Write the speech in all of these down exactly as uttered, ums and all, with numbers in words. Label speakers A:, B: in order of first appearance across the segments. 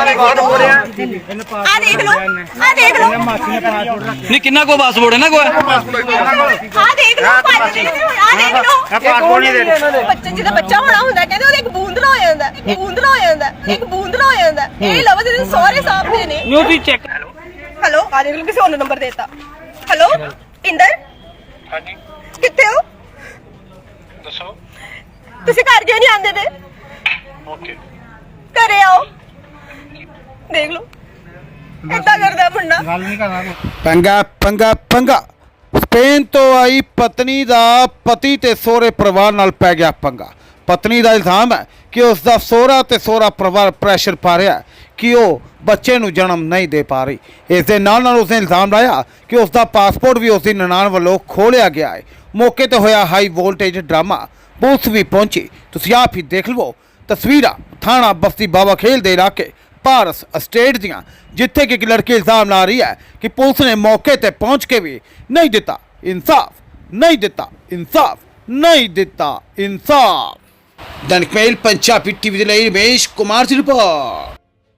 A: देख लो आ देख लो
B: नहीं किन्ना को पासपोर्ट है ना कोई
A: आ देख लो आ देख लो बच्चे जिदा बच्चा होना हुंदा कहंदे ओदे एक बूंदला हो जांदा एक बूंदला हो जांदा एक बूंदला हो जांदा ए लव दे सारे सामने ने
B: नो भी चेक
A: हेलो आ देख लो किसी और नंबर देता हेलो इंदर हां जी किथे हो दसो ਤੁਸੀਂ ਘਰ ਕਿਉਂ ਨਹੀਂ ਆਂਦੇ ਤੇ ਓਕੇ ਘਰੇ ਆਓ ਦੇਖ ਲਓ ਏਦਾਂ ਕਰਦਾ ਮੁੰਡਾ ਗੱਲ ਨਹੀਂ ਕਰਨਾ
C: ਪੰਗਾ ਪੰਗਾ ਪੰਗਾ ਸਪੇਨ ਤੋਂ ਆਈ ਪਤਨੀ ਦਾ ਪਤੀ ਤੇ ਸਹੁਰੇ ਪਰਿਵਾਰ ਨਾਲ ਪੈ ਗਿਆ ਪੰਗਾ ਪਤਨੀ ਦਾ ਇਲਜ਼ਾਮ ਹੈ ਕਿ ਉਸ ਦਾ ਸਹੁਰਾ ਤੇ ਸਹੁਰਾ ਪਰਿਵਾਰ ਪ੍ਰੈਸ਼ਰ ਪਾ ਰਿਹਾ ਕਿ ਉਹ ਬੱਚੇ ਨੂੰ ਜਨਮ ਨਹੀਂ ਦੇ ਪਾ ਰਹੀ ਇਸ ਦੇ ਨਾਲ ਨਾਲ ਉਸਨੇ ਇਲਜ਼ਾਮ ਲਾਇਆ ਕਿ ਉਸ ਦਾ ਪਾਸਪੋਰਟ ਵੀ ਉਸ ਦੀ ਨਨਾਣ ਵੱਲੋਂ ਖੋਲਿਆ ਗਿਆ ਹੈ ਮੌਕੇ ਤੇ ਹੋਇਆ ਹਾਈ ਵੋਲਟੇਜ ਡਰਾਮਾ ਪੁਲਿਸ ਵੀ ਪਹੁੰਚੀ ਤੁਸੀਂ ਆਪ ਹੀ ਦੇਖ ਲਵੋ ਤਸਵੀਰਾਂ ਥਾਣਾ ਬਸਤੀ ਬਾਬਾ ਖੇਲ ਦੇ ਇਲਾਕੇ ਪਾਰਸ ਅਸਟੇਟ ਦੀਆਂ ਜਿੱਥੇ ਕਿ ਇੱਕ ਲੜਕੀ ਇਲਜ਼ਾਮ ਲਾ ਰਹੀ ਹੈ ਕਿ ਪੁਲਿਸ ਨੇ ਮੌਕੇ ਤੇ ਪਹੁੰਚ ਕੇ ਵੀ ਨਹੀਂ ਦਿੱਤਾ ਇਨਸਾਫ ਨਹੀਂ ਦਿੱਤਾ ਇਨਸਾਫ ਨਹੀਂ ਦਿੱਤਾ ਇਨਸਾਫ ਦੈਨਿਕ ਮੇਲ ਪੰਜਾਬੀ ਟੀਵੀ ਦੇ ਲਈ ਰਮੇਸ਼ ਕੁਮਾਰ ਦੀ ਰਿਪੋਰਟ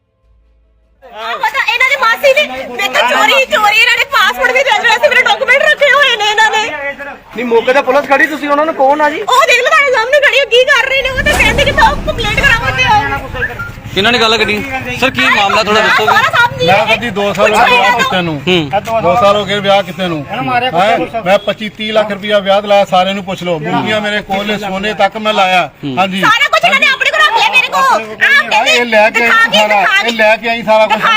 A: ਪਤਾ ਇਹਨਾਂ ਦੀ ਮਾਸੀ ਨੇ ਮੇਰੇ ਚੋਰੀ ਚੋਰੀ ਇਹਨਾਂ ਨੇ ਪਾਸਪੋਰਟ ਵੀ ਦੇ ਰਿਹਾ ਸੀ ਮੇਰੇ ਡਾਕੂਮੈਂਟ ਰੱਖੇ ਹੋਏ ਨੇ ਇਹਨਾਂ ਨੇ
B: नहीं मौके पे पुलिस खड़ी तुसी उन्होंने कौन आ जी
A: ਉਹ ਦੇਖ ਲਓ ਤੁਹਾਡੇ ਸਾਹਮਣੇ ਖੜੀ ਹੋ ਕੀ ਕਰ ਰਹੇ ਨੇ ਉਹ ਤਾਂ ਕਹਿੰਦੇ ਕਿ ਤਾਂ ਕੰਪਲੇਂਟ ਕਰਾਉਣ ਤੇ ਆਓ
B: किन्हों ने गल करी सर की मामला थोड़ा दसो
D: मैं कदी दो साल हो गए ब्याह किते नूं दो साल हो गए ब्याह किते नूं मैं पच्चीस तीस लाख रुपया ब्याह लाया सारे नूं पुछ लो मुर्गियां मेरे कोल सोने तक मैं लाया हां जी
A: सारा कुछ इन्होंने अपने को रख लिया मेरे को आप कहते
D: ये लेके आई सारा ये लेके आई सारा कुछ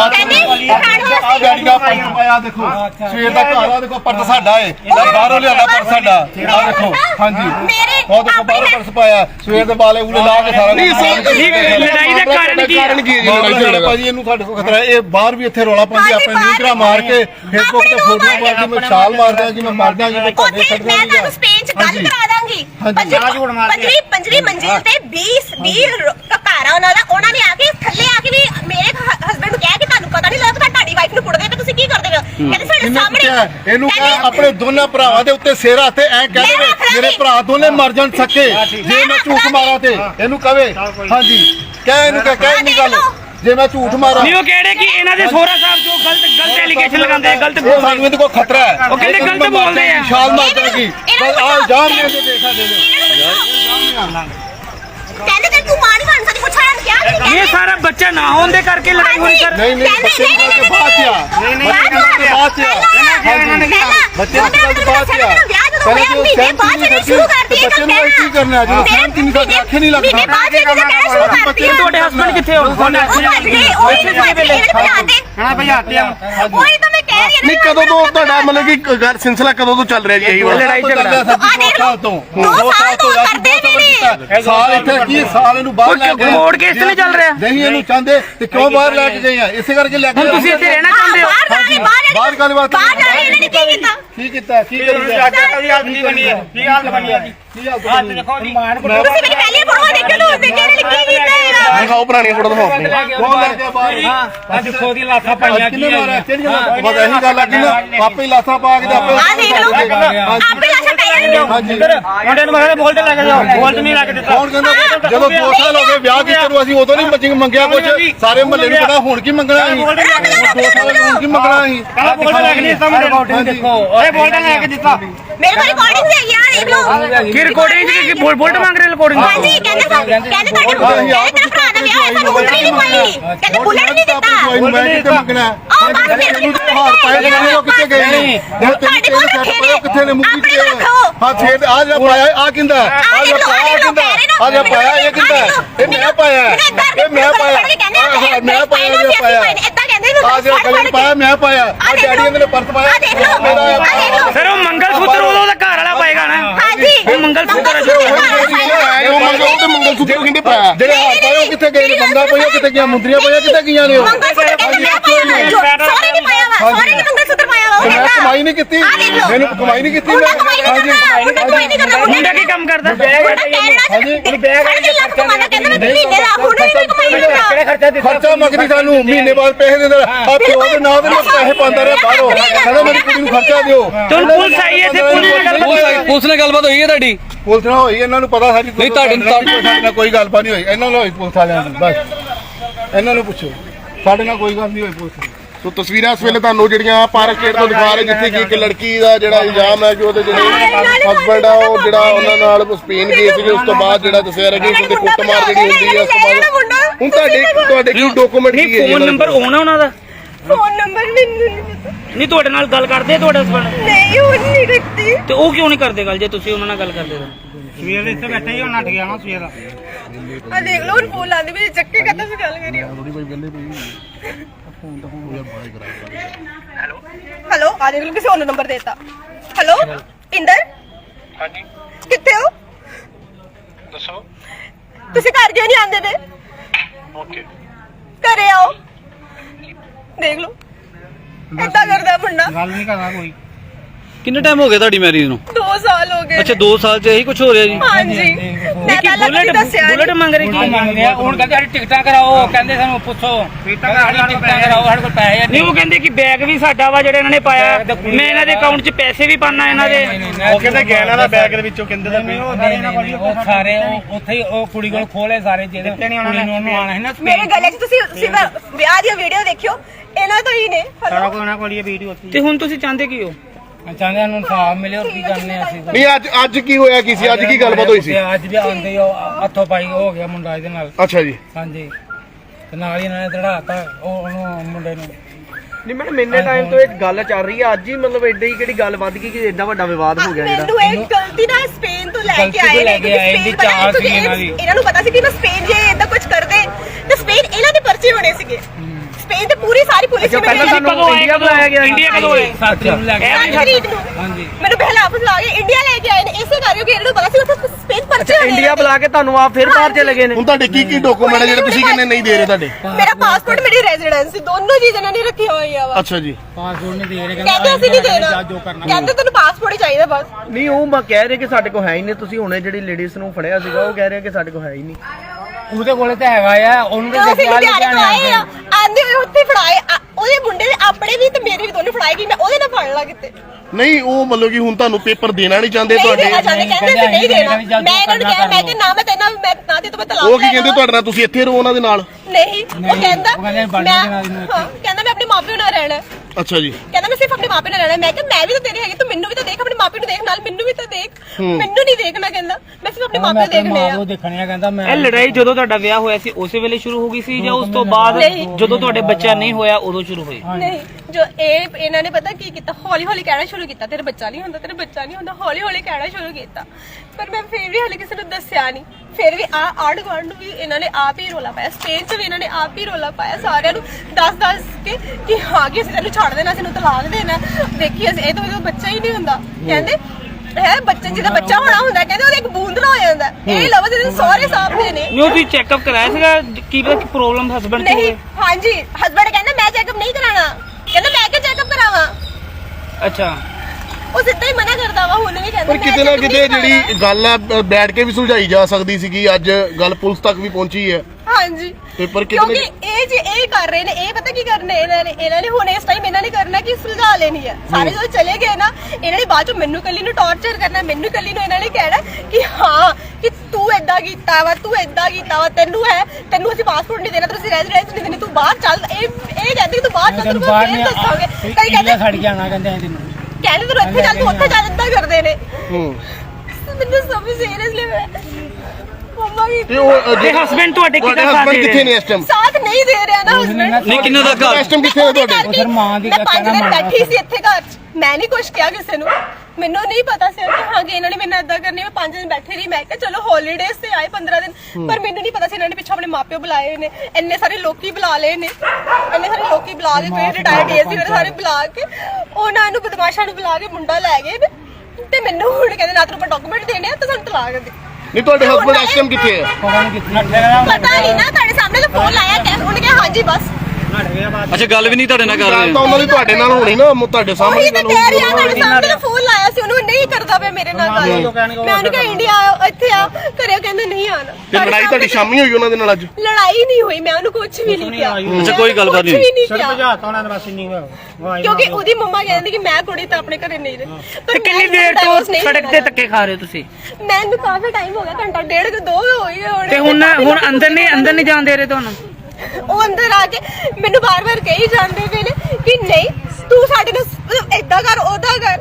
D: आ गाड़ी का पर्स पाया देखो सवेर तक आ देखो पर्स साडा है बाहरों लिया पर्स साडा आ देखो हां जी ਉਹ ਦੇਖੋ ਬਾਹਰ ਪਰਸ ਪਾਇਆ ਸਵੇਰ ਦੇ ਬਾਲੇ ਉਲੇ ਲਾ ਕੇ ਸਾਰਾ
B: लड़ाई का कारण की
D: ਕਾਰਨ ਕੀ ਹੈ ਜੀ ਲੜਾਈ ਝਗੜਾ ਭਾਜੀ ਇਹਨੂੰ ਸਾਡੇ ਕੋਲ ਖਤਰਾ ਇਹ ਬਾਹਰ ਵੀ ਇੱਥੇ ਰੌਲਾ ਪਾਉਂਦੀ ਆਪਣੇ ਨਿਊਜ਼ਰਾ ਮਾਰ ਕੇ ਫੇਸਬੁੱਕ ਤੇ ਫੋਟੋ ਪਾ ਕੇ ਮੈਂ ਛਾਲ ਮਾਰਦਾ ਕਿ ਮੈਂ ਮਰ ਜਾਾਂਗੀ ਮੈਂ ਤੁਹਾਡੇ ਛੱਡ
A: ਮੈਂ ਤੁਹਾਨੂੰ ਸਪੇਨ ਚ ਗੱਲ ਕਰਾ ਦਾਂਗੀ ਪੰਜਵੀਂ ਪੰਜਵੀਂ ਮੰਜ਼ਿਲ ਤੇ बीस बीस ਘਰ ਆ ਉਹਨਾਂ ਦਾ ਉਹਨਾਂ ਨੇ ਆ ਕੇ ਥੱਲੇ ਆ ਕੇ ਵੀ ਮੇਰੇ ਹਸਬੰਡ ਨੂੰ ਕਿਹਾ ਕਿ ਤੁਹਾਨੂੰ ਪਤਾ ਨਹੀਂ ਲੱਗਦਾ ਤੁਹਾਡੀ ਵਾਈਫ ਨੂੰ ਕੁੱਟਦੇ ਤੇ ਤੁਸੀਂ ਕੀ ਕਰਦੇ ਹੋ ਕਹਿੰਦੇ ਸਾਡੇ ਸਾਹਮਣੇ
D: ਇਹਨੂੰ ਕਹੇ ਆਪਣੇ ਦੋਨਾਂ ਭਰਾਵਾਂ ਦੇ ਉੱਤੇ ਸਿਰ ਹੱਥੇ ਐ ਕਹਿ ਦੇਵੇ ਮੇਰੇ ਭਰਾ ਦੋਨੇ ਮਰ ਜਾਣ ਸਕੇ ਜੇ ਮੈਂ ਝੂਠ ਮਾਰਾਂ ਤੇ ਇਹਨੂੰ ਕਵੇ ਹਾਂਜੀ ਕਹਿ ਇਹਨੂੰ ਕਹਿ ਕਹਿ ਨਹੀਂ ਗੱਲ ਜੇ ਮੈਂ ਝੂਠ ਮਾਰਾਂ
B: ਨਹੀਂ ਉਹ ਕਹਿੜੇ ਕਿ ਇਹਨਾਂ ਦੇ ਸੋਹਰਾ ਸਾਹਿਬ ਜੋ ਗਲਤ ਗਲਤ ਐਲੀਗੇਸ਼ਨ ਲਗਾਉਂਦੇ ਆ ਗਲਤ
D: ਬੋਲਦੇ ਸਾਨੂੰ ਇਹਦੇ ਕੋਲ ਖਤਰਾ ਹੈ
B: ਉਹ ਕਹਿੰਦੇ ਗਲਤ ਬੋਲਦੇ ਆ
D: ਛਾਲ ਮਾਰ ਦਾਂਗੀ ਆ ਜਾਮ ਨੇ ਦੇ ਦੇਖਾ ਦੇ
A: ਕਹਿੰਦੇ ਤੇ ਤੂੰ ਮਾਂ ਨਹੀਂ ਬਣ ਸਕਦੀ ਪੁੱਛਾਂ ਕਿਆ
B: ਇਹ ਸਾਰਾ ਬੱਚਾ ਨਾ ਹੋਣ ਦੇ ਕਰਕੇ ਲੜਾਈ ਹੋਈ ਸਰ
D: ਨਹੀਂ ਨਹੀਂ ਬੱਚੇ ਦੇ ਬਾਅਦ ਆ ਨਹੀਂ ਨਹੀਂ ਬੱਚੇ ਦੇ ਬਾਅਦ ਆ ਬੱਚੇ ਦੇ ਬਾਅਦ ਆ ਪਹਿਲੇ ਜੋ ਸੈਂਟੀ ਸ਼ੁਰੂ ਕਰਦੀ ਹੈ ਬੱਚੇ ਨੂੰ ਕੀ ਕਰਨਾ ਜਦੋਂ ਸੈਂਟੀ ਨਹੀਂ ਸਾਡੇ ਅੱਖੇ ਨਹੀਂ ਲੱਗਦਾ
B: ਬੱਚੇ ਤੁਹਾਡੇ ਹਸਬੰਡ ਕਿੱਥੇ ਹੋ
D: ਹਾਂ ਭਜਾਤੇ ਆ
A: ਉਹੀ ਤਾਂ ਮੈਂ ਕਹਿ ਰਹੀ ਹਾਂ
D: ਨਹੀਂ ਕਦੋਂ ਤੋਂ ਤੁਹਾਡਾ ਮਤਲਬ ਕਿ ਗੱਲ ਸਿਲਸਿਲਾ ਕਦੋਂ ਤੋਂ ਚੱਲ ਰਿਹਾ ਜੀ ਇਹੀ ਵਾਲਾ
B: ਲੜਾਈ ਝਗੜਾ
D: ਦੋ ਸਾਲ ਤੋਂ
A: ਦੋ ਸਾਲ ਤੋਂ ਕਰਦੇ
D: ਸਾਲ ਇੱਥੇ ਕੀ ਸਾਲ ਇਹਨੂੰ ਬਾਹਰ ਲੈ ਕੇ
B: ਮੋੜ ਕੇ ਇਸ ਤੇ ਨਹੀਂ ਚੱਲ ਰਿਹਾ
D: ਨਹੀਂ ਇਹਨੂੰ ਚਾਹੁੰਦੇ ਤੇ ਕਿਉਂ ਬਾਹਰ ਲੈ ਕੇ ਗਏ ਆ ਇਸੇ ਕਰਕੇ ਲੈ ਕੇ
B: ਹੁਣ ਤੁਸੀਂ ਇੱਥੇ ਰਹਿਣਾ ਚਾਹੁੰਦੇ ਹੋ
D: ਬਾਹਰ ਕਾਹਦੇ ਵਾਸਤੇ
A: ਬਾਹਰ ਜਾ ਕੇ ਇਹਨਾਂ ਨੇ ਕੀ ਕੀਤਾ
D: ਕੀ ਕੀਤਾ ਕੀ ਕਰੀਏ
B: ਦੀ ਹਾਲਤ ਨਹੀਂ ਬਣੀ ਹੈ ਕੀ ਹਾਲਤ ਬਣੀ ਹੈ
D: ਕੀ ਹਾਲਤ ਦੇਖੋ ਜੀ
A: ਤੁਸੀਂ ਮੇਰੀ ਪਹਿਲੀ ਫੋਟੋ ਦੇਖੋ ਲੋ ਤੇ ਕਿਹਨੇ ਲਿਖੀ ਕੀਤਾ ਹੈਗਾ
D: ਦਿਖਾਓ ਪੁਰਾਣੀ ਫੋਟੋ ਦਿਖਾਓ ਆਪਣੀ ਕੌਣ ਲੈ ਕੇ ਬਾਹਰ
B: ਹਾਂ ਅੱਜ ਖੋ ਦੀ ਲਾਥਾ ਪਾਈਆਂ
D: ਕਿੰਨੇ ਮਾਰਿਆ ਕਿਹੜੀਆਂ ਬਸ ਇਹੀ ਗੱਲ ਆ ਕਿ ਨਾ ਆਪੇ ਹੀ ਲਾਥਾ ਪਾ ਕੇ ਆਪੇ
A: ਆ ਦੇਖ ਲਓ ਆਪੇ ਲਾਸ਼ਾਂ ਪਈਆਂ ਨੇ
D: ਹਾਂਜੀ
B: ਮੁੰਡੇ ਨੂੰ ਮੈਂ ਬੋਲਟ ਲੈ ਕੇ ਜਾਓ ਬੋਲਟ ਨਹੀਂ ਲੈ ਕੇ ਦਿੱਤਾ
D: ਕੌਣ ਕਹਿੰਦਾ ਜਦੋਂ ਦੋ ਸਾਲ ਹੋ ਗਏ ਵਿਆਹ ਕੀਤੇ ਨੂੰ ਅਸੀਂ ਉਦੋਂ ਨਹੀਂ ਮੱਚਿੰਗ ਮੰਗਿਆ ਕੁਝ ਸਾਰੇ ਮਹੱਲੇ ਨੂੰ ਪਤਾ ਹੁਣ ਕੀ ਮੰਗਣਾ ਅਸੀਂ ਦੋ ਸਾਲ ਹੁਣ ਕੀ ਮੰਗਣਾ ਅਸੀਂ
B: ਪਹਿਲਾਂ ਬੋਲਟ ਲੈ ਕੇ ਨਹੀਂ ਦਿੱਤਾ ਮੁੰਡੇ ਦੇਖੋ ਓਏ ਬੋਲਟ ਲੈ ਕੇ ਦਿੱਤਾ
A: ਮੇਰੇ ਕੋਲ ਰਿਕਾਰਡਿੰਗ ਹੈ ਯਾਰ ਦੇਖ ਲਓ
B: ਕੀ ਰਿਕਾਰਡਿੰਗ ਕੀ ਬੋਲਟ ਮੰਗ ਰਹੇ ਰਿਕਾਰਡਿੰਗ
A: ਹਾਂਜੀ ਕਹਿੰਦੇ ਕਹਿੰਦੇ ਤੁਹਾਡੇ ਕਹਿੰਦੇ ਤੇਰਾ ਭਰਾ ਦਾ ਵਿਆਹ ਹੈ ਸਾਨੂੰ ਬੁਲਟ ਨਹੀਂ ਪਾਈ ਕਹਿੰਦੇ ਬੁਲਟ ਨਹੀਂ ਦਿੱਤਾ
D: ਮੈਂ ਕਿੱਥੇ ਮੰਗਣਾ
A: ਆ ਬਾਤ ਫਿਰ
D: ਹਾਰ ਪਾਏ ਨੇ ਉਹ ਕਿੱਥੇ ਗਏ ਨੇ
A: ਤੁਹਾਡੇ ਕੋਲ ਰੱਖੇ ਨੇ
D: ਕਿੱਥੇ ਨੇ ਮੁੱਕੀ
A: ਆਪਣੇ ਕੋਲ ਰੱਖੋ
D: ਹਾਂ ਫੇਰ ਆ ਜਿਹੜਾ ਪਾਇਆ ਆ ਕਿੰਦਾ ਆ ਜਿਹੜਾ ਪਾਇਆ ਕਿੰਦਾ ਆ ਜਿਹੜਾ ਪਾਇਆ ਇਹ ਕਿੰਦਾ ਇਹ ਮੈਂ ਪਾਇਆ ਇਹ ਮੈਂ ਪਾਇਆ ਮੈਂ ਪਾਇਆ ਇਹ ਪਾਇਆ
A: ਇਦਾਂ ਕਹਿੰਦੇ
D: ਆ ਜਿਹੜਾ ਗਲੇ ਪਾਇਆ ਮੈਂ ਪਾਇਆ ਆ ਡੈਡੀ ਨੇ ਪਰਸ ਪਾਇਆ
A: ਆ ਦੇਖ ਲਓ
B: ਸਰ ਉਹ ਮੰਗਲ ਸੂਤਰ ਉਹਦਾ ਉਹਦਾ ਘਰ ਵਾਲਾ ਪਾਏਗਾ ਨਾ
A: ਹਾਂਜੀ
B: ਉਹ ਮੰਗਲ ਸੂਤਰ
D: ਉਹ ਮੰਗਲ ਤੇ ਮੰਗਲ ਸੂਤਰ ਕਿੰਨੇ ਪਾਇਆ ਜਿਹੜੇ ਹਾਰ ਪਾਏ ਉਹ ਕਿੱਥੇ ਗਏ ਨੇ ਬੰਦਾ ਪਾਇਆ ਕਿੱਥੇ ਗਿਆ ਮੁੰਦਰੀਆਂ ਪਾਇਆ ਕਿੱਥੇ ਗਈਆਂ ਨੇ ਉਹ
A: ਮੰਗਲ ਸੂਤਰ ਕਹਿੰਦੇ ਮੈਂ ਪਾਇਆ ਸਾਰੇ ਨੇ ਪਾਇਆ ਵਾ ਸਾਰੇ ਨੇ ਮੰਗਲ ਸੂਤਰ ਪਾਇਆ ਵਾ
D: ਮੈਂ ਕਮਾਈ ਨਹੀਂ ਕੀਤੀ ਮੈਨੂੰ ਕਮਾਈ ਨਹੀਂ ਕੀਤੀ ਮੈਂ
A: ਹਾਂਜੀ ਕੋਈ ਨਹੀਂ ਕਰਦਾ
B: ਮੁੰਡਾ ਕੀ ਕੰਮ ਕਰਦਾ
A: ਹਾਂਜੀ ਬੈਗ ਆ ਕੇ ਲੱਖ ਕਮਾਉਂਦਾ ਕਹਿੰਦਾ ਮੈਂ ਮਹੀਨੇ ਦਾ ਹੁਣ ਵੀ ਕਮਾਈ ਨਹੀਂ ਕਰਦਾ
D: ਖਰਚਾ ਮੰਗਦੀ ਸਾਨੂੰ ਮਹੀਨੇ ਬਾਅਦ ਪੈਸੇ ਦੇ ਦੇ ਆ ਪਿਓ ਦੇ ਨਾਂ ਦੇ ਪੈਸੇ ਪਾਉਂਦਾ ਰਿਹਾ ਬਾਹਰੋਂ ਕਹਿੰਦਾ ਮੇਰੀ ਕੁੜੀ ਨੂੰ ਖਰਚਾ ਦਿਓ
B: ਤੁਹਾਨੂੰ ਪੁਲਿਸ ਆਈ ਹੈ ਤੇ ਪੁਲਿਸ ਨਾਲ ਪੁਲਿਸ ਨਾਲ ਗੱਲਬਾਤ ਹੋਈ ਹੈ ਤੁਹਾਡੀ
D: ਪੁਲਿਸ ਨਾਲ ਹੋਈ ਇਹਨਾਂ ਨੂੰ ਪਤਾ ਸਾਡੀ
B: ਨਹੀਂ ਤੁਹਾਡੇ
D: ਨਾਲ ਕੋਈ ਗੱਲਬਾਤ ਨਹੀਂ ਹੋਈ ਇਹਨਾਂ ਨਾਲ ਹੋਈ ਪੁਲਿਸ ਵਾਲਿਆਂ ਨਾਲ ਬਸ ਇਹਨਾਂ ਨੂੰ ਪੁੱਛੋ, ਸਾਡੇ ਨਾਲ ਕੋਈ ਗੱਲ ਨਹੀਂ ਹੋਈ ਪੁਲਿਸ। ਸੋ ਤਸਵੀਰਾਂ ਇਸ ਵੇਲੇ ਤੁਹਾਨੂੰ ਜਿਹੜੀਆਂ ਪਾਰਕ ਗੇਟ ਤੋਂ ਦਿਖਾ ਰਹੇ, ਜਿੱਥੇ ਕਿ ਇੱਕ ਲੜਕੀ ਦਾ ਜਿਹੜਾ ਇਲਜ਼ਾਮ ਹੈ ਕਿ ਉਹਦੇ ਜਿਹੜੇ ਹਸਬੰਡ ਆ ਉਹ ਜਿਹੜਾ ਉਹਨਾਂ ਨਾਲ ਸਪੇਨ ਗਏ ਸੀਗੇ, ਉਸ ਤੋਂ ਬਾਅਦ ਜਿਹੜਾ ਦੱਸਿਆ ਰਿਹਾ ਕਿ ਉਹਦੀ ਕੁੱਟਮਾਰ ਜਿਹੜੀ ਹੁੰਦੀ ਹੈ ਉਸ ਤੋਂ ਬਾਅਦ। ਹੁਣ ਤੁਹਾਡੇ ਤੁਹਾਡੇ ਕੀ ਡਾਕੂਮੈਂਟ ਕੀ ਹੈ?
B: ਫੋਨ ਨੰਬਰ ਹੋਣਾ ਉਹਨਾਂ ਦਾ?
A: ਫੋਨ ਨੰਬਰ ਮੈਨੂੰ ਨਹੀਂ ਪਤਾ।
B: ਨਹੀਂ ਤੁਹਾਡੇ ਨਾਲ ਗੱਲ ਕਰਦੇ ਆ ਤੁਹਾਡੇ ਹਸਬੰਡ?
A: ਨਹੀਂ ਉਹ ਨਹੀਂ ਕਰਦੀ।
B: ਤੇ ਉਹ ਕਿਉਂ ਨਹੀਂ ਕਰਦੇ ਗੱਲ ਜੇ ਤੁਸੀਂ ਉਹਨਾਂ ਨਾਲ ਗੱਲ ਕਰਦੇ ਤਾਂ?
E: ਸਵੇਰ ਦੇ ਇੱਥੇ ਬੈਠੇ ਹੀ ਹੁਣ ਨੱਠ ਗਿਆ ਨਾ ਸਵੇਰ ਦਾ।
A: ਆ ਦੇਖ ਲਓ ਹੁਣ ਫੋਨ ਲਾਉਂਦੇ ਵੀ ਚੱਕੇ ਕਦੋਂ ਸੇ ਗੱਲ ਕਰੀ ਹੋ। ਹੈਲੋ ਆ ਦੇਖ ਲਓ ਕਿਸੇ ਹੋਰ ਨੰਬਰ ਦੇਤਾ। ਹੈਲੋ ਇੰਦਰ
F: ਹਾਂਜੀ
A: ਕਿੱਥੇ ਹੋ?
F: ਦੱਸੋ।
A: ਤੁਸੀਂ ਘਰ ਕਿਉਂ ਨਹੀਂ ਆਉਂਦੇ ਤੇ?
F: ਓਕੇ
A: ਘਰੇ ਆਓ। ਦੇਖ ਲਓ ਏਦਾਂ ਕਰਦਾ ਮੁੰਡਾ।
E: ਗੱਲ ਨਹੀਂ ਕਰਦਾ ਕੋਈ।
G: ਕਿੰਨੇ ਟਾਈਮ ਹੋ ਗਿਆ ਤੁਹਾਡੀ ਮੈਰਿਜ ਨੂੰ?
A: ਦੋ ਸਾਲ ਹੋ ਗਏ।
G: ਅੱਛਾ ਦੋ ਸਾਲ ਚ ਇਹੀ ਕੁਝ ਹੋ ਰਿਹਾ ਜੀ?
A: ਹਾਂਜੀ ਮੈਂ
B: ਕਿ
A: ਪਹਿਲਾਂ
B: ਬੁਲਟ
A: ਕਦੀ ਦੱਸਿਆ
B: ਬੁਲਟ
A: ਨਹੀਂ।
B: ਮੰਗ ਰਹੇ ਕੀ
E: ਮੰਗਦੇ ਆ ਹੁਣ ਕਹਿੰਦੇ ਸਾਡੀ ਟਿਕਟਾਂ ਕਰਾਓ, ਕਹਿੰਦੇ ਸਾਨੂੰ ਪੁੱਛੋ ਸਾਡੀ ਟਿਕਟਾਂ ਕਰਾਓ, ਸਾਡੇ ਕੋਲ ਪੈਸੇ
B: ਨਹੀਂ ਉਹ ਕਹਿੰਦੇ ਕਿ ਬੈਗ ਵੀ ਸਾਡਾ ਵਾ ਜਿਹੜਾ ਇਹਨਾਂ ਨੇ ਪਾਇਆ, ਮੈਂ ਇਹਨਾਂ ਦੇ ਅਕਾਊਂਟ 'ਚ ਪੈਸੇ ਵੀ ਪਾਣਾ ਇਹਨਾਂ ਦੇ।
E: ਉਹ ਕਹਿੰਦੇ ਗਹਿਣਾ ਦਾ ਬੈਗ ਦੇ ਵਿੱਚੋਂ ਕਹਿੰਦੇ ਦਾ ਉਹ ਸਾਰੇ ਉਹ ਉੱਥੇ ਹੀ ਉਹ ਕੁੜੀ ਕੋਲ ਖੋਲੇ ਸਾਰੇ ਜਿਹਦੇ ਕੁੜੀ ਨੂੰ ਉਹਨੂੰ ਆਣਾ ਹੈ ਨਾ।
A: ਮੇਰੇ ਗਲੇ 'ਚ ਤੁਸੀਂ ਤੁਸੀਂ ਵਿਆਹ ਦੀ ਵੀਡੀਓ ਦੇਖਿਓ, ਇਹਨਾਂ ਤੋਂ ਹੀ ਨੇ।
E: ਸਾਰਾ ਕੋਈ ਨਾ ਕੋਲੀ ਵੀਡੀਓ ਉੱਥੇ।
B: ਤੇ ਹੁਣ ਤੁਸੀਂ ਚਾਹੁੰਦੇ ਕੀ ਹੋ?
E: ਚਾਹੁੰਦੇ ਸਾਨੂੰ ਇਨਸਾਫ ਮਿਲੇ ਹੋਰ ਕੀ ਕਰਨੇ ਆ ਅਸੀਂ।
D: ਨਹੀਂ ਅੱਜ ਅੱਜ ਕੀ ਹੋਇਆ ਕੀ ਸੀ? ਅੱਜ ਕੀ ਗੱਲਬਾਤ ਹੋਈ ਸੀ?
E: ਅੱਜ ਵੀ ਆਉਂਦੇ ਉਹ ਹੱਥੋਂ ਪਾਈ ਹੋ ਗਿਆ ਮੁੰਡਾ ਇਹਦੇ ਨਾਲ।
D: ਅੱਛਾ ਜੀ।
E: ਹਾਂਜੀ ਤੇ ਨਾਲ ਹੀ ਇਹਨਾਂ ਨੇ ਧੜਾਤਾ ਉਹ ਉਹਨੂੰ ਮੁੰਡੇ ਨੂੰ।
H: ਨਹੀਂ ਮੈਡਮ ਇੰਨੇ ਟਾਈਮ ਤੋਂ ਇਹ ਗੱਲ ਚੱਲ ਰਹੀ ਹੈ, ਅੱਜ ਹੀ ਮਤਲਬ ਏਡਾ ਹੀ ਕਿਹੜੀ ਗੱਲ ਵੱਧ ਗਈ ਕਿ ਏਡਾ ਵੱਡਾ ਵਿਵਾਦ ਹੋ ਗਿਆ ਜਿਹੜਾ?
A: ਮੈਨੂੰ ਇਹ ਗਲਤੀ ਨਾਲ ਸਪੇਨ ਤੋਂ ਲੈ ਕੇ
E: ਗਲਤੀ ਤੋਂ
A: ਆਏ
E: ਲੈ
A: ਨੇ।
E: ਕੇ ਆਏ, ਇਹਦੀ ਚਾਲ ਸੀ ਇਹਨਾਂ ਦੀ।
A: ਇਹਨਾਂ ਨੂੰ ਪਤਾ ਸੀ ਕਿ ਮੈਂ ਸਪੇਨ ਜੇ ਏਦਾਂ ਕੁਝ ਕਰਦੇ ਤੇ ਸਪੇਨ ਇਹਨਾਂ ਦੇ ਪਰਚੇ ਹੋਣੇ ਸੀਗੇ। ਸਪੇਨ ਤੇ ਪੂਰੀ ਸਾਰੀ ਪੁਲਿਸ ਨੇ
H: ਪਹਿਲਾਂ ਸਾਨੂੰ
B: ਕਦੋਂ ਆਏ?
H: ਇੰਡੀਆ ਬੁਲਾਇਆ ਗਿਆ?
B: ਇੰਡੀਆ ਕਦੋਂ ਆਏ?
E: ਸੱਤ ਨੂੰ ਲੈ ਕੇ
A: ਸੱਤ ਤਰੀਕ ਨੂੰ
E: ਹਾਂਜੀ
A: ਮੈਨੂੰ ਪਹਿਲਾਂ ਵਾਪਸ ਲਾ ਕੇ ਇੰਡੀਆ ਲੈ ਕੇ ਆਏ ਨੇ। ਇਸੇ ਕਰਕੇ ਇਹਨਾਂ ਨੂੰ ਪਤਾ ਸੀ ਉੱਥੇ ਸਪੇਨ ਪਰਚੇ ਹੋਣੇ ਨੇ।
H: ਇੰਡੀਆ ਬੁਲਾ ਕੇ ਤੁਹਾਨੂੰ ਆਪ ਫਿਰ ਬਾਹਰ ਚਲੇ ਗਏ ਨੇ?
D: ਹੁਣ ਤੁਹਾਡੇ ਕੀ ਕੀ ਡਾਕੂਮੈਂਟ ਜਿਹੜੇ ਤੁਸੀਂ ਕਹਿੰਦੇ ਨਹੀਂ ਦੇ ਰਹੇ ਤੁਹਾਡੇ?
A: ਮੇਰਾ ਪਾਸਪੋਰਟ, ਮੇਰੀ ਰੈਜ਼ੀਡੈਂਸੀ ਦੋਨੋਂ ਚੀਜ਼ਾਂ ਇਹਨਾਂ ਨੇ ਰੱਖੀਆਂ ਹੋਈਆਂ ਵਾ।
D: ਅੱਛਾ ਜੀ।
E: ਪਾਸਪੋਰਟ ਨਹੀਂ ਦੇ ਰਹੇ,
A: ਕਹਿੰਦੇ ਅਸੀਂ ਨਹੀਂ ਦੇਣਾ, ਕਹਿੰਦੇ ਤੈਨੂੰ ਪਾਸਪੋਰਟ ਹੀ ਚਾਹੀਦਾ ਬਸ।
H: ਨਹੀਂ ਉਹ ਮੈਂ ਕਹਿ ਰਿਹਾ ਕਿ ਸਾਡੇ ਕੋਲ ਹੈ ਹੀ ਨਹੀਂ। ਤੁਸੀਂ ਹੁਣੇ ਜਿਹੜੀ ਲੇਡੀਜ਼ ਨੂੰ ਫੜਿਆ ਸੀਗਾ ਉਹ ਕਹਿ ਰਿਹਾ ਕਿ ਸਾਡੇ ਕੋਲ ਹੈ ਹੀ ਨਹੀਂ।
E: ਉਹਦੇ ਕੋਲੇ ਤਾਂ ਹੈਗਾ ਆ, ਉਹਨੂੰ ਤਾਂ
A: ਅਸੀਂ
E: ਦੇਖਿਆ
A: ਲੁਧਿਆਣੇ ਤੋਂ ਆਏ ਆ,
E: ਲਿਆ
A: ਆਂਦੇ ਹੋਏ ਉੱਥੇ ਫੜਾਏ। ਆ- ਉਹਦੇ ਮੁੰਡੇ ਦੇ ਆਪਣੇ ਵੀ ਤੇ ਮੇਰੇ ਵੀ ਦੋਨੇ ਫੜਾਏ ਗਈ। ਮੈਂ ਉਹਦੇ ਨਾਲ ਫੜ ਲਾ ਕਿਤੇ
D: ਨਹੀਂ ਉਹ ਮਤਲਬ ਕਿ ਹੁਣ ਤੁਹਾਨੂੰ ਪੇਪਰ ਦੇਣਾ ਨਹੀਂ ਚਾਹੁੰਦੇ
A: ਨਹੀਂ
D: ਤੁਹਾਡੇ?
A: ਦੇਣਾ ਚਾਹੁੰਦੇ, ਕਹਿੰਦੇ ਅਸੀਂ ਨਹੀਂ ਦੇਣਾ। ਮੈਂ ਇਹਨਾਂ ਨੂੰ ਕਿਹਾ, ਮੈਂ ਕਿ ਨਾ ਮੈਂ ਤੇਨਾਂ ਮੈਂ ਨਾ ਤੇ ਤੂੰ ਮੈਂ ਤਲਾਕ
D: ਉਹ ਕੀ ਕਹਿੰਦੇ ਤੁਹਾਡੇ ਨਾਲ ਤੁਸੀਂ ਇੱਥੇ ਰਹੋ ਉਹਨਾਂ ਦੇ ਨਾਲ?
A: ਨਹੀਂ ਉਹ ਕਹਿੰਦਾ
E: ਉਹ ਕਹਿੰਦੇ ਬਾੜੀ
A: ਮੈਂ
E: ਦੇ ਨਾਲ ਇਹਨੂੰ ਇੱਥੇ।
A: ਹਾਂ, ਕਹਿੰਦਾ ਮੈਂ ਆਪਣੇ ਮਾਪਿਆਂ ਨਾਲ ਰਹਿਣਾ।
D: ਅੱਛਾ ਜੀ।
A: ਕਹਿੰਦਾ ਮੈਂ ਸਿਰਫ ਆਪਣੇ ਮਾਪਿਆਂ ਨਾਲ ਰਹਿਣਾ। ਮੈਂ ਕਿਹਾ ਮੈਂ ਵੀ ਤਾਂ ਤੇਰੇ ਹੈਗੀ, ਤੂੰ ਮੈਨੂੰ ਵੀ ਤਾਂ ਦੇਖ, ਆਪਣੇ ਮਾਪਿਆਂ ਨੂੰ ਦੇਖ, ਨਾਲ ਮੈਨੂੰ ਵੀ ਤਾਂ ਦੇਖ। ਮੈਨੂੰ ਨਹੀਂ ਦੇਖਣਾ ਕਹਿੰਦਾ, ਮੈਂ ਸਿਰਫ ਆਪਣੇ ਮਾਪਿਆਂ ਦੇਖਣੇ ਆ।
E: ਉਹ ਦੇਖਣੇ ਆ ਕਹਿੰਦਾ ਮੈਂ।
B: ਇਹ ਲੜਾਈ ਜਦੋਂ ਤੁਹਾਡਾ ਵਿਆਹ ਹੋਇਆ ਸੀ ਉਸੇ ਵੇਲੇ ਸ਼ੁਰੂ ਹੋ ਗਈ ਸੀ ਜਾਂ ਉਸ ਤੋਂ ਬਾਅਦ
A: ਨਹੀਂ।
B: ਜਦੋਂ ਤੁਹਾਡੇ ਬੱਚਾ ਨਹੀਂ ਹੋਇਆ ਉਦੋਂ ਸ਼ੁਰੂ ਹੋਈ?
A: ਨਹੀਂ ਜੋ ਇਹ ਇਹਨਾਂ ਨੇ ਪਤਾ ਕੀ ਕੀਤਾ, ਹੌਲੀ ਹੌਲੀ ਕਹਿਣਾ ਸ਼ੁਰੂ ਕੀਤਾ ਤੇਰਾ ਬੱਚਾ ਨਹੀਂ ਹੁੰਦਾ, ਤੇਰਾ ਬੱਚਾ ਨਹੀਂ ਹੁੰਦਾ, ਹੌਲੀ ਹੌਲੀ ਕਹਿਣਾ ਸ਼ੁਰੂ ਕੀਤਾ। ਪਰ ਮੈਂ ਫਿਰ ਵੀ ਹਲੇ ਕਿਸੇ ਨੂੰ ਦੱਸਿਆ ਨਹੀਂ। ਫਿਰ ਵੀ ਆ ਆੜ ਗਵਾਂਡ ਨੂੰ ਵੀ ਇਹਨਾਂ ਨੇ ਆਪ ਹੀ ਰੋਲਾ ਪਾਇਆ, ਸਪੇਨ 'ਚ ਵੀ ਇਹਨਾਂ ਨੇ ਆਪ ਹੀ ਰੋਲਾ ਪਾਇਆ ਸਾਰਿਆਂ ਨੂੰ ਦੱਸ ਦੱਸ ਕੇ ਕਿ ਹਾਂ ਕਿ ਅਸੀਂ ਤੈਨੂੰ ਛੱਡ ਦੇਣਾ, ਅਸੀਂ ਨੂੰ ਤਲਾਕ ਦੇਣਾ। ਦੇਖੀ ਅਸੀਂ ਇਹ ਤਾਂ ਇਹਦਾ ਬੱਚਾ ਹੀ ਨਹੀਂ ਹੁੰਦਾ। ਕਹਿੰਦੇ ਹੈ ਬੱਚੇ ਜਿਹਦਾ ਬੱਚਾ ਹੋਣਾ ਹੁੰਦਾ, ਕਹਿੰਦੇ ਉਹਦੇ ਇੱਕ ਬੂੰਦਲਾ ਹੋ ਜਾਂਦਾ। ਇਹ ਲਵ ਦੇ ਸਾਰੇ ਸਾਹਮਣੇ ਨੇ।
B: ਨਹੀਂ ਤੁਸੀਂ ਚੈੱਕਅਪ ਕਰਾਇਆ ਸੀਗਾ ਕੀ ਪਤਾ ਪ੍ਰੋਬਲਮ ਹਸਬੰਡ ਦੀ
A: ਨਹੀਂ
B: ਹੋਵੇ?
A: ਹਾਂਜੀ ਹਸਬੰਡ ਕਹਿੰਦਾ ਮੈਂ ਚੈੱਕਅਪ ਨਹੀਂ ਕਰਾਣਾ, ਕਹਿੰਦਾ ਮੈਂ ਕਿ ਚੈੱਕਅਪ ਕਰਾਵਾਂ।
B: ਅੱਛਾ
A: ਉਹ ਸਿੱਧਾ ਹੀ ਮਨਾ ਕਰਦਾ ਵਾ, ਹੁਣ ਵੀ ਕਹਿੰਦਾ
D: ਪਰ ਕਿਤੇ ਨਾ ਕਿਤੇ ਜਿਹੜੀ ਗੱਲ ਆ ਅ, ਬੈਠ ਕੇ ਵੀ ਸੁਲਝਾਈ ਜਾ ਸਕਦੀ ਸੀਗੀ। ਅੱਜ ਗੱਲ ਪੁਲਿਸ ਤੱਕ ਵੀ ਪਹੁੰਚੀ ਹੈ।
A: ਹਾਂਜੀ
D: ਤੇ ਪਰ ਕਿਤੇ
A: ਕਿਉਂਕਿ
D: ਨਾ
A: ਇਹ ਜੇ ਇਹ ਕਰ ਰਹੇ ਨੇ, ਇਹ ਪਤਾ ਕੀ ਕਰਨਾ ਇਹਨਾਂ ਨੇ ਇਹਨਾਂ ਨੇ ਹੁਣ ਇਸ ਟਾਈਮ ਇਹਨਾਂ ਨੇ ਕਰਨਾ ਕਿ ਸੁਲਝਾ ਲੈਣੀ ਹੈ। ਸਾਰੇ ਜਦੋਂ ਚਲੇ ਗਏ ਨਾ, ਇਹਨਾਂ ਨੇ ਬਾਅਦ ਚ ਮੈਨੂੰ ਕੱਲੀ ਨੂੰ ਟੌਰਚਰ ਕਰਨਾ, ਮੈਨੂੰ ਕੱਲੀ ਨੂੰ ਇਹਨਾਂ ਨੇ ਕਹਿਣਾ ਕਿ ਹਾਂ ਕਿ ਤੂੰ ਏਦਾਂ ਕੀਤਾ ਵਾ, ਤੂੰ ਏਦਾਂ ਕੀਤਾ ਵਾ, ਤੈਨੂੰ ਹੈ ਤੈਨੂੰ ਅਸੀਂ ਪਾਸਪੋਰਟ ਨਹੀਂ ਦੇਣਾ, ਤੁਸੀਂ ਰੈਜ਼ੀਡੈਂਸ ਨਹੀਂ ਦੇਣੀ, ਤੂੰ ਬਾਹਰ ਚੱਲ। ਇਹ ਇਹ ਕਹਿੰਦੇ ਕਿ ਤੂੰ ਬਾਹਰ ਚੱਲ,
E: ਤੈਨੂੰ
A: ਤੈਨੂੰ
E: ਬਾਹਰ
A: ਫੇਰ
E: ਨੇ
A: ਦੱਸਾਂਗੇ। ਕਈ
E: ਇੰਡੀਆ
A: ਕਹਿੰਦੇ
E: ਛੱਡ ਕੇ ਆਣਾ ਕਹਿੰਦੇ ਆ ਤੈਨੂੰ।
A: ਕਹਿੰਦੇ ਤੂੰ ਇੱਥੇ ਚੱਲ, ਤੂੰ ਉੱਥੇ ਚੱਲ, ਏਦਾਂ ਕਰਦੇ ਨੇ।
D: ਹੂੰ
A: ਮੈਨੂੰ ਸਭ ਸੀਰੀਅਸਲੀ ਮੰਮਾ ਵੀ
D: ਤੇ ਉਹ ਅ,
B: ਤੇ husband ਤੁਹਾਡੇ
D: ਤੁਹਾਡੇ
B: ਕਿਹਦਾ ਸਾਥ
D: husband
B: ਦੇ
D: ਕਿੱਥੇ
B: ਰਹੇ?
D: ਨੇ ਇਸ ਟਾਈਮ?
A: ਸਾਥ ਨਹੀਂ ਦੇ ਰਿਹਾ ਨਾ ਹਸਬੰਡ।
G: ਨਹੀਂ ਕਿੰਨਾ ਦਾ ਘਰ?
D: ਇਸ ਟਾਈਮ ਕਿੱਥੇ ਨੇ ਤੁਹਾਡੇ?
E: ਉਹ ਫਿਰ ਮਾਂ ਦੀ
A: ਮੈਂ ਪੰਜ
E: ਕਹਿਣਾ
A: ਦਿਨ
E: ਮੰਨਦਾ।
A: ਬੈਠੀ ਸੀ ਇੱਥੇ ਘਰ 'ਚ, ਮੈਂ ਨਹੀਂ ਕੁਛ ਕਿਹਾ ਕਿਸੇ ਨੂੰ। ਮੈਨੂੰ ਨਹੀਂ ਪਤਾ ਸੀ ਕਿ ਹਾਂ ਕਿ ਇਹਨਾਂ ਨੇ ਮੇਰੇ ਨਾਲ ਏਦਾਂ ਕਰਨੀ। ਮੈਂ ਪੰਜ ਦਿਨ ਬੈਠੀ ਰਹੀ, ਮੈਂ ਕਿਹਾ ਚਲੋ ਹੌਲੀਡੇਜ਼ ਤੇ ਆਏ ਪੰਦਰਾਂ ਦਿਨ, ਪਰ ਮੈਨੂੰ ਨਹੀਂ ਪਤਾ ਸੀ ਇਹਨਾਂ ਨੇ ਪਿੱਛੋਂ ਆਪਣੇ ਮਾਪਿਓ ਬੁਲਾਏ ਨੇ, ਇੰਨੇ ਸਾਰੇ ਲੋਕੀ ਬੁਲਾ ਲਏ ਨੇ, ਇੰਨੇ ਸਾਰੇ ਲੋਕੀ ਬੁਲਾ ਕੇ ਕੋਈ ਰਿਟਾਇਰਡ ਏਜ ਦੇ ਸਾਰੇ ਬੁਲਾ ਕੇ ਉਹਨਾਂ ਨੂੰ ਬਦਮਾਸ਼ਾਂ ਨੂੰ ਬੁਲਾ ਕੇ ਮੁੰਡਾ ਲੈ ਗਏ ਨੇ। ਤੇ ਮੈਨੂੰ ਹੁਣ ਕਹਿੰਦੇ ਨਾ ਤੈਨੂੰ ਡਾਕੂਮੈਂਟ ਦੇਣੇ ਆ ਤਾਂ ਸਾਨੂੰ ਤਲਾਕ ਦੇ।
D: ਨਹੀਂ ਤੁਹਾਡੇ ਹਸਬੰਡ ਇਸ ਟਾਈਮ ਕਿੱਥੇ ਹੈ?
E: ਪਤਾ ਨਹੀਂ ਕਿੱਥੇ
A: ਪਤਾ ਨਹੀਂ ਨਾ, ਤੁਹਾਡੇ ਸਾਹਮਣੇ ਤਾਂ ਫੋਨ ਲਾਇਆ ਕਿ ਉਹਨੇ ਕਿਹਾ ਹਾਂਜੀ ਬਸ।
G: ਅੱਛਾ ਗੱਲ ਵੀ ਨਹੀਂ ਤੁਹਾਡੇ ਨਾਲ ਕਰ
D: ਗੱਲ
G: ਰਹੇ?
D: ਤਾਂ ਉਹਨਾਂ ਦੀ ਤੁਹਾਡੇ ਨਾਲ ਹੋਣੀ ਨਾ, ਮ- ਤੁਹਾਡੇ ਸਾਹਮਣੇ
A: ਉਹੀ ਤਾਂ
D: ਗੱਲ
A: ਕਹਿ ਰਹੀ ਆ,
D: ਹੋਣੀ।
A: ਤੁਹਾਡੇ ਸਾਹਮਣੇ ਤਾਂ ਫੋਨ ਲਾਇਆ ਸੀ, ਉਹਨੂੰ ਨਹੀਂ ਕਰਦਾ ਪਿਆ ਮੇਰੇ ਨਾਲ ਗੱਲ। ਮੈਂ ਉਹਨੂੰ ਕਿਹਾ ਇੰਡੀਆ ਆਓ, ਇੱਥੇ ਆ, ਘਰੇ ਕਹਿੰਦੇ ਨਹੀਂ ਆਣਾ।
D: ਤੇ ਲੜਾਈ ਤੁਹਾਡੀ ਸ਼ਾਮੀ ਹੋਈ ਉਹਨਾਂ ਦੇ ਨਾਲ ਅੱਜ?
A: ਲੜਾਈ ਨਹੀਂ ਹੋਈ, ਮੈਂ ਉਹਨੂੰ ਕੁਝ ਵੀ ਨਹੀਂ ਕਿਹਾ।
G: ਅੱਛਾ, ਕੋਈ ਗੱਲਬਾਤ ਨਹੀਂ?
A: ਕੁਛ ਵੀ ਨਹੀਂ ਕਿਹਾ,
E: ਭਜਾਤਾ ਉਹਨਾਂ ਦੇ ਬਸ ਨਹੀਂ ਹੋਇਆ।
A: ਕਿਉਂਕਿ ਉਹਦੀ ਮੰਮਾ ਕਹਿੰਦੀ ਕਿ ਮੈਂ ਕੁੜੀ ਤਾਂ ਆਪਣੇ ਘਰੇ ਨਹੀਂ ਰਹੀ। ਪਰ
B: ਕਿੰਨੀ
A: ਮੈਂ
B: ਦੇਰ ਤੋਂ
A: divorce ਨਹੀਂ
B: ਸੜਕ ਤੇ
A: ਲੈਣਾ।
B: ਧੱਕੇ ਖਾ ਰਹੇ ਹੋ ਤੁਸੀਂ?
A: ਮੈਨੂੰ ਕਾਫੀ ਟਾਈਮ ਹੋ ਗਿਆ, ਘੰਟਾ ਡੇਢ ਕੁ ਦੋ ਹੋ ਗਏ ਹੁਣ।
B: ਤੇ ਹੁਣ ਹੁਣ ਅੰਦਰ ਨਹੀਂ ਅੰਦਰ ਨਹੀਂ ਜਾਣ ਦੇ ਰਹੇ ਤੁਹਾਨੂੰ?
A: ਉਹ ਅੰਦਰ ਆ ਕੇ ਮੈਨੂੰ ਬਾਰ-ਬਾਰ ਕਹੀ ਜਾਂਦੇ ਪਏ ਨੇ ਕਿ ਨਹੀਂ ਤੂੰ ਸਾਡੇ ਨਾਲ ਏਦਾਂ ਕਰ ਉਹਦਾ ਕਰ,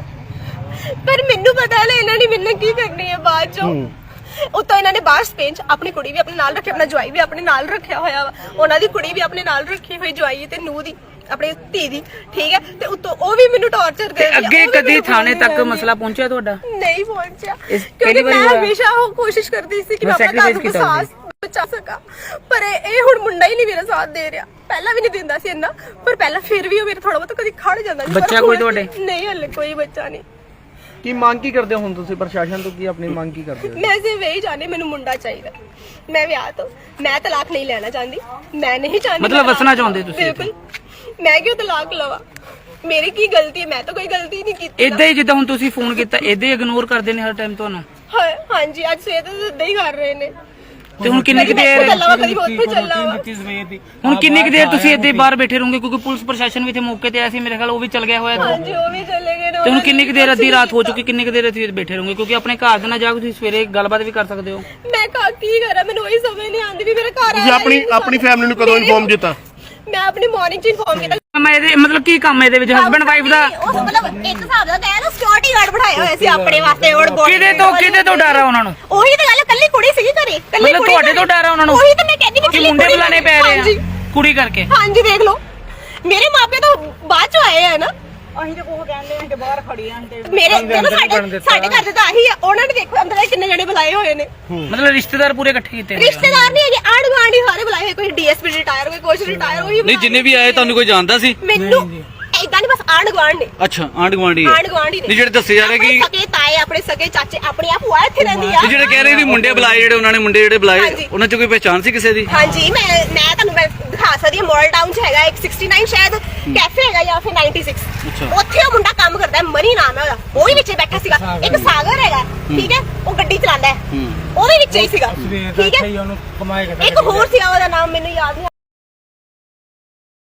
A: ਪਰ ਮੈਨੂੰ ਪਤਾ ਲੈ ਇਹਨਾਂ ਨੇ ਮੈਨੂੰ ਕੀ ਕਰਨੀ ਹੈ ਬਾਅਦ ਚੋਂ। ਉਤੋਂ ਇਹਨਾਂ ਨੇ ਬਾਹਰ ਸਪੇਨ ਚ ਆਪਣੀ ਕੁੜੀ ਵੀ ਆਪਣੇ ਨਾਲ ਰੱਖੀ, ਆਪਣਾ ਜਵਾਈ ਵੀ ਆਪਣੇ ਨਾਲ ਰੱਖਿਆ ਹੋਇਆ ਵਾ, ਉਹਨਾਂ ਦੀ ਕੁੜੀ ਵੀ ਆਪਣੇ ਨਾਲ ਰੱਖੀ ਹੋਈ, ਜਵਾਈ ਤੇ ਨੂੰਹ ਦੀ ਆਪਣੇ ਧੀ ਦੀ, ਠੀਕ ਹੈ। ਤੇ ਉਤੋਂ ਉਹ ਵੀ ਮੈਨੂੰ ਟੌਰਚਰ ਦੇ ਰਹੀ ਆ।
B: ਅੱਗੇ
A: ਉਹ ਵੀ
B: ਕਦੀ
A: ਮੈਨੂੰ
B: ਥਾਣੇ
A: ਫੋਨ
B: ਤੱਕ
A: ਕਰ ਰਹੀ
B: ਮਸਲਾ ਪਹੁੰਚਿਆ ਤੁਹਾਡਾ?
A: ਨਹੀਂ ਪਹੁੰਚਿਆ,
B: ਇਸ
A: ਕਿਉਂਕਿ
B: ਪਹਿਲੀ ਵਾਰੀ
A: ਮੈਂ
B: ਹੋਇਆ?
A: ਹਮੇਸ਼ਾ ਉਹ ਕੋਸ਼ਿਸ਼ ਕਰਦੀ ਸੀ ਕਿ ਮੈਂ
B: ਬਸ
A: ਆਪਣਾ ਘਰ ਨੂੰ
B: sacrifice ਕੀਤਾ
A: ਸਾਥ ਬਚਾ ਸਕਾਂ, ਪਰ ਇਹ ਇਹ ਹੁਣ ਮੁੰਡਾ ਹੀ ਨਹੀਂ ਮੇਰਾ ਸਾਥ ਦੇ ਰਿਹਾ। ਪਹਿਲਾਂ ਵੀ ਨਹੀਂ ਦਿੰਦਾ ਸੀ ਇੰਨਾ, ਪਰ ਪਹਿਲਾਂ ਫਿਰ ਵੀ ਉਹ ਮੇਰੇ ਥੋੜਾ ਬਹੁਤ ਕਦੀ ਖੜ ਜਾਂਦਾ ਸੀ। ਪਰ
B: ਬੱਚਾ
A: ਹੁਣ
B: ਕੋਈ ਤੁਹਾਡੇ?
A: ਨਹੀਂ, ਹਲੇ ਕੋਈ ਬੱਚਾ ਨਹੀਂ।
H: ਕੀ ਮੰਗ ਕੀ ਕਰਦੇ ਹੋ ਹੁਣ ਤੁਸੀਂ ਪ੍ਰਸ਼ਾਸਨ ਤੋਂ, ਕੀ ਆਪਣੀ ਮੰਗ ਕੀ ਕਰਦੇ ਹੋ?
A: ਮੈਂ ਸਿਰਫ ਇਹੀ ਚਾਹਨੀ ਮੈਨੂੰ ਮੁੰਡਾ ਚਾਹੀਦਾ। ਮੈਂ ਵਿਆਹ ਤੋਂ ਮੈਂ ਤਲਾਕ ਨਹੀਂ ਲੈਣਾ ਚਾਹੁੰਦੀ, ਮੈਂ ਨਹੀਂ ਚਾਹੁੰਦੀ
B: ਮਤਲਬ
A: ਮੈਂ
B: ਵਸਣਾ
A: ਤਲਾਕ
B: ਚਾਹੁੰਦੇ ਤੁਸੀਂ
A: ਬਿਲਕੁਲ। ਮੈਂ ਕਿਉਂ ਤਲਾਕ ਲਵਾਂ? ਮੇਰੀ ਕੀ ਗਲਤੀ ਹੈ? ਮੈਂ ਤਾਂ ਕੋਈ ਗਲਤੀ ਨਹੀਂ ਕੀਤੀ।
B: ਇਦਾਂ ਹੀ ਜਿੱਦਾਂ ਹੁਣ ਤੁਸੀਂ ਫੋਨ ਕੀਤਾ ਇਦਾਂ ਹੀ ਇਗਨੋਰ ਕਰਦੇ ਨੇ ਹਰ ਟਾਈਮ ਤੁਹਾਨੂੰ?
A: ਹਾਂ ਹਾਂਜੀ, ਅੱਜ ਸਵੇਰ ਤੋਂ ਇਦਾਂ ਹੀ ਕਰ ਰਹੇ ਨੇ।
B: ਤੇ ਹੁਣ ਕਿੰਨੀ ਕੁ
A: ਕਦੀ
B: ਦੇਰ
A: ਮੈਂ ਚੱਲਾਂ ਵਾ, ਕਦੀ ਮੈਂ ਉੱਥੇ ਚੱਲਾਂ ਵਾ।
B: ਹੁਣ ਕਿੰਨੀ ਕੁ ਦੇਰ ਤੁਸੀਂ ਇੱਥੇ ਬਾਹਰ ਬੈਠੇ ਰਹੋਗੇ? ਕਿਉਂਕਿ ਪੁਲਿਸ ਪ੍ਰਸ਼ਾਸਨ ਵੀ ਇੱਥੇ ਮੌਕੇ ਤੇ ਆਇਆ ਸੀ, ਮੇਰੇ ਖਿਆਲ ਉਹ ਵੀ ਚਲ ਗਿਆ ਹੋਇਆ।
A: ਹਾਂਜੀ ਉਹ ਵੀ ਚਲੇ ਗਏ ਨੇ।
B: ਤੇ ਹੁਣ ਕਿੰਨੀ ਕੁ ਦੇਰ ਅੱਧੀ ਰਾਤ ਹੋ ਚੁੱਕੀ, ਕਿੰਨੀ ਕੁ ਦੇਰ ਇੱਥੇ ਬੈਠੇ ਰਹੋਗੇ? ਕਿਉਂਕਿ ਆਪਣੇ ਘਰ ਦੇ ਨਾਲ ਜਾ ਕੇ ਤੁਸੀਂ ਸਵੇਰੇ ਗੱਲਬਾਤ ਵੀ ਕਰ ਸਕਦੇ ਹੋ।
A: ਮੈਂ ਕਾ ਕੀ ਕਰਾਂ, ਮੈਨੂੰ ਉਹੀ ਸਮਝ ਨਹੀਂ ਆਉਂਦੀ ਵੀ ਮੇਰੇ ਘਰ
D: ਤੁਸੀਂ ਆਪਣੀ ਆਪਣੀ ਫੈਮਿਲੀ ਨੂੰ ਕਦੋਂ ਇਨਫੋਰਮ ਕੀਤਾ?
A: ਮੈਂ ਆਪਣੀ ਮਾਰਨਿੰਗ ਚ ਇਨਫੋਰਮ ਕੀਤਾ।
B: ਮੈਂ ਇਹਦੇ ਮਤਲਬ ਕੀ ਕੰਮ ਇਹਦੇ ਵਿੱਚ ਹਸਬੰਡ ਵਾਈਫ ਦਾ?
A: ਉਹ ਮਤਲਬ ਇੱਕ ਹਿਸਾਬ ਦਾ ਕਹਿਆ ਨਾ, ਸਿਕਿਉਰਿਟੀ ਗਾਰਡ ਬਿਠਾਇਆ ਹੋਇਆ ਸੀ ਆਪਣੇ ਵਾਸਤੇ। ਉਹ ਬੋਡੀ
B: ਕਿਹਦੇ ਤੋਂ ਕਿਹਦੇ ਤੋਂ ਡਰ ਆ ਉਹਨਾਂ ਨੂੰ?
A: ਉਹੀ ਤਾਂ ਗੱਲ ਹੈ, ਕੱਲੀ ਕੁੜੀ ਸੀਗੀ ਘਰੇ, ਕੱਲੀ
B: ਮਤਲਬ
A: ਕੁੜੀ
B: ਤੁਹਾਡੇ ਤੋਂ ਡਰ ਆ ਉਹਨਾਂ ਨੂੰ?
A: ਉਹੀ ਤਾਂ ਮੈਂ ਕਹਿੰਦੀ ਵੀ
B: ਕਿ
A: ਕੱਲੀ
B: ਮੁੰਡੇ
A: ਕੁੜੀ
B: ਬੁਲਾਣੇ ਪੈ ਰਹੇ
A: ਹਾਂਜੀ।
B: ਆ ਕੁੜੀ ਕਰਕੇ?
A: ਹਾਂਜੀ ਦੇਖ ਲਓ, ਮੇਰੇ ਮਾਪੇ ਤਾਂ ਬਾਅਦ ਚ ਆਏ ਆ ਨਾ।
E: ਅਸੀਂ ਤਾਂ ਉਹ ਕਹਿੰਦੇ ਆ ਕਿ ਬਾਹਰ ਖੜੀ ਆਂ ਤੇ
A: ਮੇਰੇ ਜਦੋਂ ਸਾਡੇ ਸਾਡੇ ਘਰ ਦੇ ਤਾਂ ਆਹੀ ਆ, ਉਹਨਾਂ ਨੇ ਦੇਖੋ ਅੰਦਰ ਕਿੰਨੇ ਜਣੇ ਬੁਲਾਏ ਹੋਏ ਨੇ।
B: ਮਤਲਬ ਰਿਸ਼ਤੇਦਾਰ ਪੂਰੇ ਇਕੱਠੇ ਕੀਤੇ ਨੇ?
A: ਰਿਸ਼ਤੇਦਾਰ ਨਹੀਂ ਹੈਗੇ, ਆਂਢ ਗੁਆਂਢੀ ਸਾਰੇ ਬੁਲਾਏ ਹੋਏ, ਕੋਈ ਡੀਐਸਪੀ ਰਿਟਾਇਰ, ਕੋਈ ਕੁਛ ਰਿਟਾਇਰ, ਉਹੀ
G: ਨਹੀਂ ਜਿੰਨੇ ਵੀ ਆਏ ਤੁਹਾਨੂੰ ਕੋਈ ਜਾਣਦਾ ਸੀ?
A: ਮੈਨੂੰ ਇਦਾਂ ਨਹੀਂ, ਬਸ ਆਂਢ ਗੁਆਂਢ ਨੇ।
G: ਅੱਛਾ ਆਂਢ ਗੁਆਂਢੀ
A: ਆਂਢ ਗੁਆਂਢੀ ਨੇ।
G: ਨਹੀਂ ਜਿਹੜੇ ਦੱਸੇ ਜਾ ਰਹੇ ਕਿ
A: ਆਪਣੇ ਸਕੇ ਤਾਏ, ਆਪਣੇ ਸਕੇ ਚਾਚੇ, ਆਪਣੀ ਆ ਭੂਆ ਇੱਥੇ ਰਹਿੰਦੀ ਆ।
G: ਨਹੀਂ ਜਿਹੜੇ ਕਹਿ ਰਹੇ ਵੀ ਮੁੰਡੇ ਬੁਲਾਏ, ਜਿਹੜੇ ਉਹਨਾਂ ਨੇ ਮੁੰਡੇ ਜਿਹੜੇ ਬੁਲਾਏ
A: ਹਾਂਜੀ।
G: ਉਹਨਾਂ ਚ ਕੋਈ ਪਹਿਚਾਣ ਸੀ ਕਿਸੇ ਦੀ?
A: ਹਾਂਜੀ ਮੈਂ ਮੈਂ ਤੁਹਾਨੂੰ ਮੈਂ ਦਿਖਾ ਸਕਦੀ ਹਾਂ, ਮਾਡਲ ਟਾਊਨ ਚ ਹੈਗਾ ਇੱਕ ਸਿਕਸਟੀ ਨਾਈਨ ਸ਼ਾਇਦ ਕੈਫੇ ਹੈਗਾ ਜਾਂ ਫਿਰ ਨਾਈਨਟੀ ਸਿਕਸ, ਉੱਥੇ ਉਹ ਮੁੰਡਾ ਕੰਮ ਕਰਦਾ ਹੈ, ਮਨੀ ਨਾਮ ਹੈ ਉਹਦਾ, ਉਹ ਵੀ ਵਿੱਚੇ ਬੈਠਾ ਸੀਗਾ। ਇੱਕ ਸਾਗਰ ਹੈਗਾ, ਠੀਕ ਹੈ, ਉਹ ਗੱਡੀ ਚਲਾਉਂਦਾ ਹੈ, ਉਹ ਵੀ ਵਿੱਚੇ ਹੀ ਸੀਗਾ, ਠੀਕ ਹੈ। ਇੱਕ ਹੋਰ ਸੀਗਾ, ਉਹਦਾ ਨਾਮ ਮੈਨੂੰ ਯਾਦ ਨਹੀਂ।